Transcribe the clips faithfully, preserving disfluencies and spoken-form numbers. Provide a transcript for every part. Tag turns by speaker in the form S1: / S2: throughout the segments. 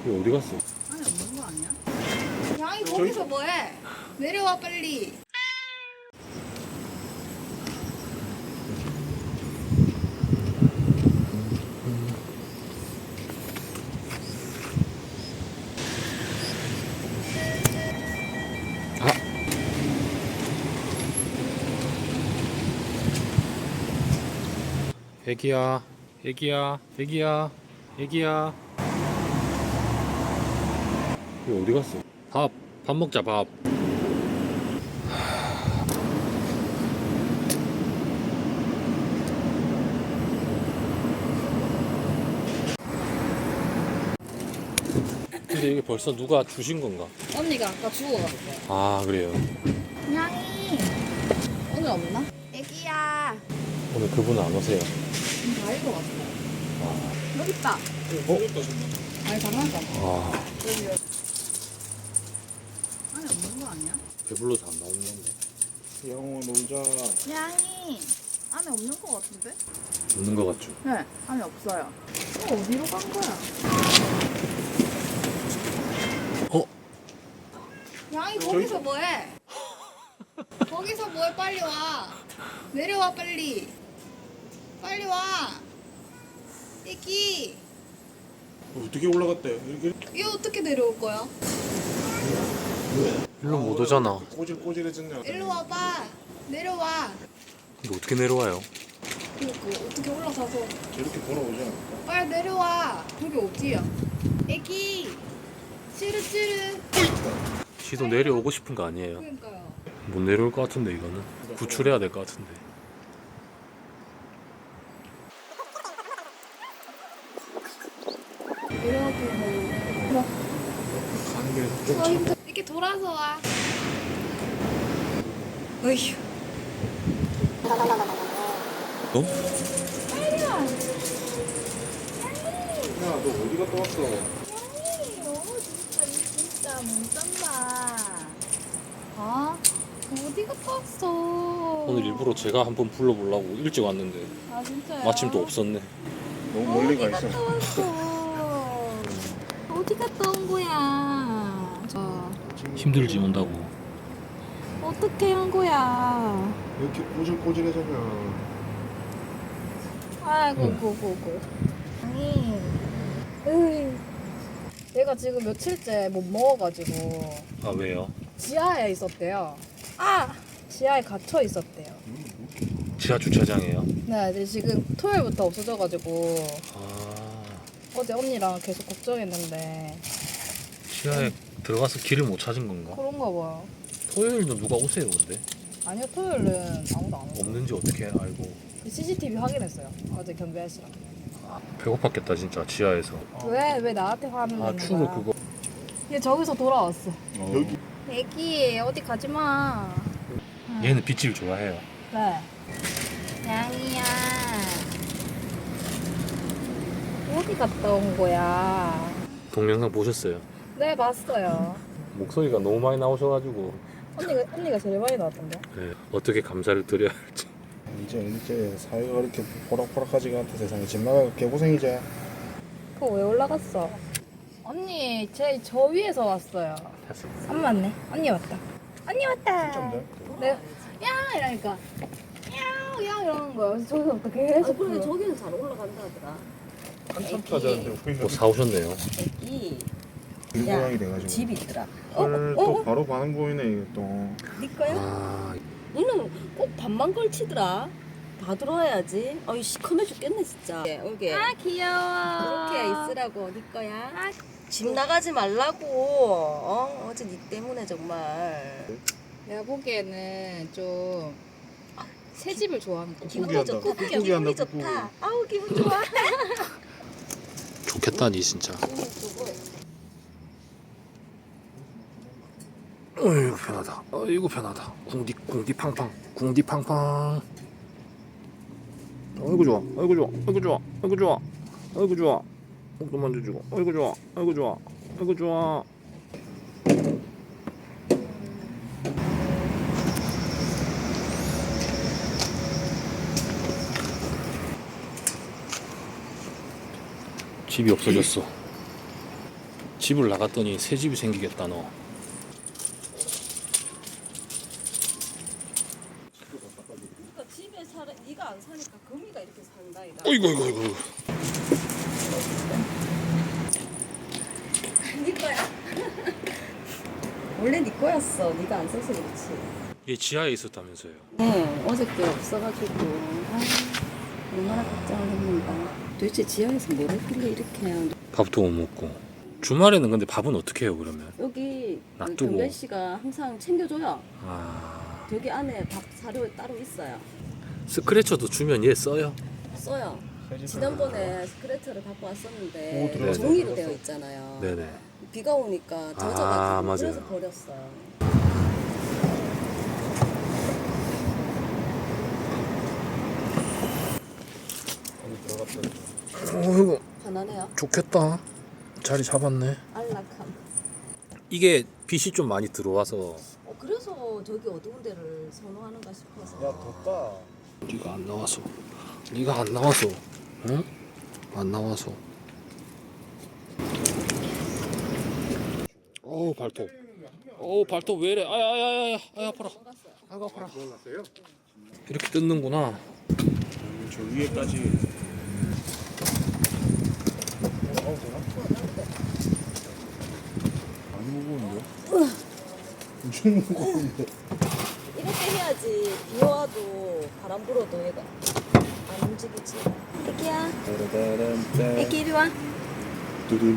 S1: 이거 어디 갔어?
S2: 안에 없는 거 아니야? 양이 거기서 뭐해? 내려와 빨리.
S1: 아! 애기야, 애기야, 애기야, 애기야. 이거 어디 갔어? 밥, 밥 먹자 밥. 근데 이게 벌써 누가 주신 건가?
S2: 언니가 아까 주워 갔어.
S1: 아 그래요.
S2: 양이 오늘 없나? 애기야.
S1: 오늘 그분 안 오세요.
S2: 지금 다 읽어봤어. 여기 있다.
S1: 어?
S2: 아니 장난감.
S1: 아
S2: 여기 여기. 안에 없는 거 아니야?
S1: 배불러서 안 나오는 건데.
S3: 영호 놀자.
S2: 양이 안에 없는 거 같은데?
S1: 없는 거 같죠?
S2: 네, 안에 없어요. 어, 어디로 간 거야?
S1: 어?
S2: 양이 거기서 뭐해? 거기서 뭐해? 빨리 와. 내려와 빨리. 빨리 와. 애기.
S3: 어떻게 올라갔대? 이렇게
S2: 이거 어떻게 내려올 거야?
S1: 일로 못 오잖아.
S3: 꼬질꼬질해졌네.
S2: 일로 와봐. 내려와.
S1: 근데 어떻게 내려와요?
S2: 그니까 어떻게 올라가서
S3: 저렇게 돌아오지 않을까?
S2: 빨리 내려와. 여기 어디야? 애기. 찌르찌르.
S1: 지도 내려오고 싶은 거 아니에요?
S2: 그러니까요.
S1: 못 내려올 것 같은데 이거는 구출해야 될 것 같은데.
S2: 내려가고.
S3: 가는 게
S2: 어,
S3: 좀
S2: 힘들어. 이렇게 돌아서 와. 어휴.
S1: 어?
S2: 빨리 와.
S3: 야, 너 어디 갔다 왔어?
S2: 양이 너무 진짜 이 진짜 못 잔다. 아 어디 갔다 왔어?
S1: 오늘 일부러 제가 한번 불러보려고 일찍 왔는데
S2: 아 진짜요?
S1: 마침 또 없었네.
S3: 너무 멀리 가
S2: 어디
S3: 있어.
S2: 갔다 왔어? 어디 갔다 온 거야? 저
S1: 힘들지 온다고.
S2: 어떻게 한 거야?
S3: 이렇게 꼬질꼬질해졌냐?
S2: 아이고
S1: 응.
S2: 고고고. 아니, 으이. 얘가 지금 며칠째 못 먹어가지고
S1: 아 왜요?
S2: 지하에 있었대요. 아 지하에 갇혀 있었대요.
S1: 지하 주차장이에요?
S2: 네, 이제 지금 토요일부터 없어져가지고
S1: 아
S2: 어제 언니랑 계속 걱정했는데
S1: 지하에 들어가서 길을 못 찾은 건가?
S2: 그런가 봐요.
S1: 토요일도 누가 오세요 근데?
S2: 아니요, 토요일은 아무도 안 오고
S1: 없는지 어떻게 알고?
S2: 씨씨티비 확인했어요. 어제 경비 아저씨랑.
S1: 배고팠겠다 진짜 지하에서.
S2: 왜, 왜 나한테 화를
S1: 아
S2: 내는
S1: 추로
S2: 거야?
S1: 그거.
S2: 얘 저기서 돌아왔어.
S3: 여기
S2: 애기 어디 가지 마.
S1: 얘는 빗질 좋아해요.
S2: 네. 양이야. 어디 갔다 온 거야?
S1: 동영상 보셨어요?
S2: 네, 봤어요.
S1: 목소리가 너무 많이 나오셔가지고
S2: 언니가 언니가 제일 많이 나왔던데.
S1: 네, 어떻게 감사를 드려야 할지.
S3: 이제 이제 사회가 이렇게 포락포락하지가 않다 세상에. 집 나가 개고생이지.
S2: 그거 왜 올라갔어? 언니, 제 저 위에서 왔어요. 안 맞네. 언니 왔다. 언니 왔다.
S3: 진짜인데?
S2: 내가 야 이러니까 야야 이러는 거야. 그래서 저기서부터 계속.
S4: 아, 그래
S2: 불러.
S4: 저기는 잘 올라간다 하더라.
S3: 한참 찾았는데 우리는
S1: 뭐 사오셨네요.
S4: 이
S3: 일고양이 돼가지고.
S4: 집이 있더라.
S3: 헐,
S4: 어?
S3: 또
S4: 어?
S3: 바로 반응 보이네 이게 또.
S4: 네 거야?
S1: 아
S4: 너는 꼭 반만 걸치더라. 다 들어와야지. 어이 시커매 죽겠네 진짜. 여기
S2: 아 귀여워.
S4: 이렇게 있으라고 네 거야.
S2: 아,
S4: 집 나가지 말라고. 어 어제 네 때문에 정말.
S2: 내가 보기에는 좀 새 집을 좋아하는 거.
S4: 기분도
S3: 꾹꾹이
S4: 좋고
S3: 한다. 꾹꾹이
S4: 기분이
S3: 한다,
S4: 좋다. 아우 기분 좋아.
S1: 좋겠다니 진짜.
S4: 기분 좋고.
S1: 어이구 편하다. 어이구 편하다. 궁디 궁디 팡팡. 궁디 팡팡. 어이구 좋아. 어이구 좋아. 어이구 좋아. 어이구 좋아. 어이구 좋아. 목도 만져주고. 어이구 좋아. 어이구 좋아. 어이구 좋아. 집이 없어졌어. 집을 나갔더니 새 집이 생기겠다 너.
S4: 그러니까 집에 살아 네가 안 사니까 거미가 이렇게 산다 이가.
S1: 어이구 어이구 어이구.
S4: 네 거야. 원래 네 거였어. 네가 안 써서 그렇지.
S1: 얘 지하에 있었다면서요.
S4: 네, 어저께 없어가지고 아, 얼마나 걱정을 했는가. 도대체 지하에서 뭘 했길래 이렇게 해요.
S1: 밥도 못 먹고. 주말에는 근데 밥은 어떻게 해요 그러면?
S4: 여기 그
S1: 놔두고.
S4: 경별 씨가 항상 챙겨줘요.
S1: 아
S4: 저기 안에 밥 사료 따로 있어요.
S1: 스크래쳐도 주면 얘 써요?
S4: 써요. 지난번에 스크래처를 갖고
S3: 오,
S4: 왔었는데
S3: 들어갔어,
S4: 종이로
S3: 들어갔어.
S4: 되어 있잖아요.
S1: 네네.
S4: 비가 오니까 젖어가지고
S1: 아, 맞아요.
S4: 그래서 버렸어요.
S3: 여기 들어갔다.
S1: 어이구
S4: 편하네요.
S1: 좋겠다. 자리 잡았네.
S4: 안락함.
S1: 이게 빛이 좀 많이 들어와서.
S4: 어, 그래서 저기 어두운 데를 선호하는가 싶어서.
S3: 야 덥다.
S1: 네가 안 나와서. 네가 안 나와서. 응? 안 나와서. 어우 발톱. 어우 발톱 왜 이래? 아야 아야 아야 아야 아파라. 아가 아파라. 이렇게 뜯는구나.
S3: 저 위에까지. 어, 되나? 많이 무거운데? 엄청 무거운데?
S4: 이렇게 해야지 비 와도 바람 불어도 얘가 안 움직이지. 애기야,
S3: 따라따란따.
S4: 애기 이리 와.
S3: 두둔.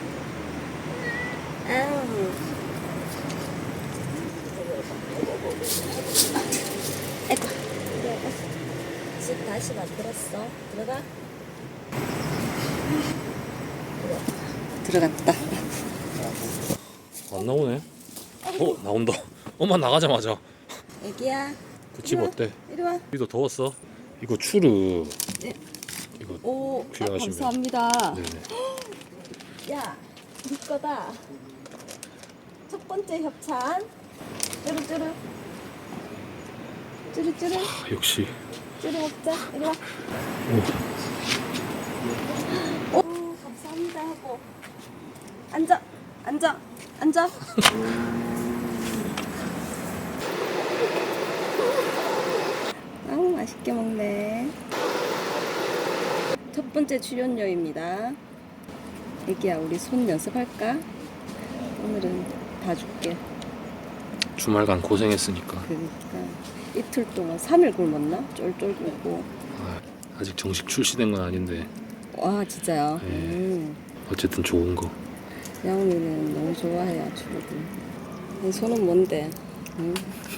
S4: 아우. 아이고, 이리 와봐. 집 다시 만들었어. 들어가. 들어갔다.
S1: 안 나오네. 어 나온다. 엄마 나가자마자.
S4: 애기야,
S1: 그 집 어때?
S4: 이리 와.
S1: 여기도 더웠어? 이거 추르.
S4: 네.
S1: 이거
S4: 오, 아,
S1: 필요하시면.
S4: 감사합니다.
S1: 네네.
S4: 야, 네 거다. 첫 번째 협찬. 쭈루쭈루. 쭈루쭈루.
S1: 아, 역시.
S4: 쭈루 먹자. 이리 와. 오, 감사합니다 하고. 앉아. 앉아. 앉아. 아우, 맛있게 먹네. 첫 번째 출연료입니다. 애기야, 우리 손 연습할까? 오늘은 봐줄게.
S1: 주말간 고생했으니까.
S4: 그러니까 이틀 동안 삼 일 굶었나? 쫄쫄 굶고.
S1: 아, 아직 정식 출시된 건 아닌데
S4: 와, 진짜요?
S1: 네.
S4: 음.
S1: 어쨌든 좋은 거.
S4: 야옹이는 너무 좋아해요, 주로들. 이 손은 뭔데? 응?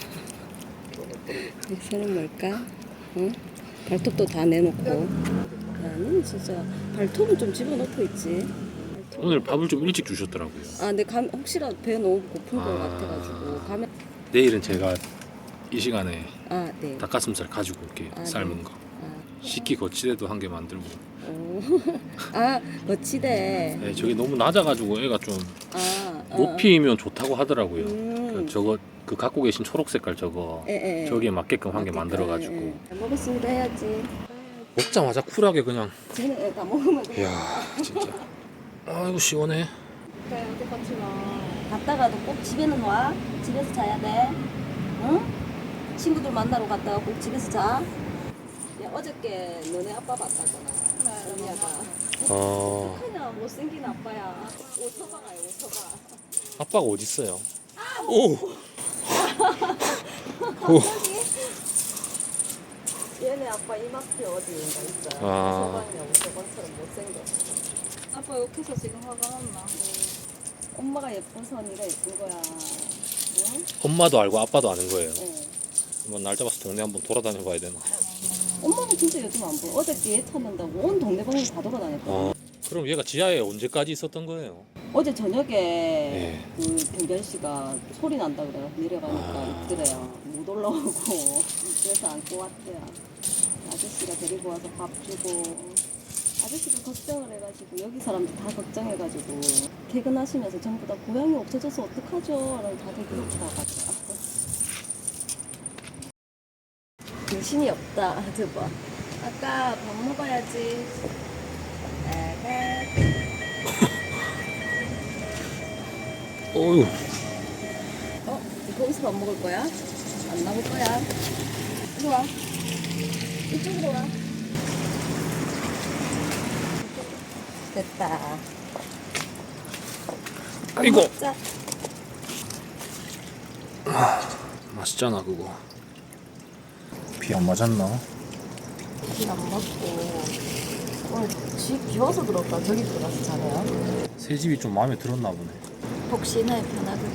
S4: 이 손은 뭘까? 응? 발톱도 다 내놓고. 나는 진짜 발톱은 좀 집어넣고 있지.
S1: 오늘 밥을 좀 일찍 주셨더라고요.
S4: 아, 근데 감, 혹시라도 배 너무 고픈 것
S1: 아.
S4: 같아가지고 가면.
S1: 내일은 제가 이 시간에
S4: 아, 네.
S1: 닭가슴살 가지고 올게.
S4: 아,
S1: 삶은
S4: 네.
S1: 거.
S4: 아,
S1: 식기 거치대도 한 개 만들고.
S4: 오. 아, 거치대.
S1: 네, 저게 너무 낮아가지고 애가 좀
S4: 아, 어.
S1: 높이면 좋다고 하더라고요.
S4: 음.
S1: 그 저거 그 갖고 계신 초록 색깔 저거
S4: 예, 예.
S1: 저기에 맞게끔 한 개
S4: 맞겠다.
S1: 만들어가지고
S4: 예, 예. 잘 먹었습니다 해야지.
S1: 먹자마자 쿨하게 그냥.
S4: 쟤는 다 먹으면 돼.
S1: 이야 진짜. 아이고 시원해.
S4: 그래, 어디 같이 와. 갔다가도 꼭 집에는 와. 집에서 자야 돼. 응? 친구들 만나러 갔다가 꼭 집에서 자. 야, 어저께 너네 아빠 봤다잖아. 언니가.
S1: 어
S4: 어떡하냐, 못생긴 아빠야. 오토바가요, 오토바.
S1: 아빠가 어디 있어요? 오.
S4: 갑자기? 얘네 아빠 이마트 어디인가 있어요.
S1: 아.
S4: 오토바이냐, 오토바처럼 못생겼어.
S2: 아빠 욕해서 지금 화가 났나?
S4: 엄마가 예뻐서 네가 예쁜 거야. 응?
S1: 엄마도 알고 아빠도 아는 거예요.
S4: 응.
S1: 한번 날 잡아서 동네 한번 돌아다녀 봐야 되나?
S4: 엄마는 진짜 요즘 안 보여. 어저께 얘 찾는다고 온 동네방네 다 돌아다녔거든.
S1: 어. 그럼 얘가 지하에 언제까지 있었던 거예요?
S4: 어제 저녁에
S1: 예.
S4: 그 경별 씨가 소리 난다 그래요. 내려가니까
S1: 아.
S4: 있더래요. 못 올라오고 그래서 안고 왔대요. 아저씨가 데리고 와서 밥 주고 아저씨가 걱정을 해가지고 여기 사람들 다 걱정해가지고 퇴근하시면서 전부 다 고양이 없어져서 어떡하죠? 라고 다들 그렇게 나가죠. 정신이 없다. 저봐. 아까 밥 먹어야지. 아가.
S1: 어휴.
S4: 어? 거기서 밥 먹을 거야? 안 나올 거야? 이리 와. 이쪽으로 와. 됐다.
S1: 아이고.
S4: 먹자.
S1: 맛있잖아 그거. 비 안 맞았나?
S4: 안 먹고. 오늘 집 비워서 들었다. 저기 들어가서 자네요.
S1: 새 집이 좀 마음에 들었나 보네.
S4: 혹시나 편하게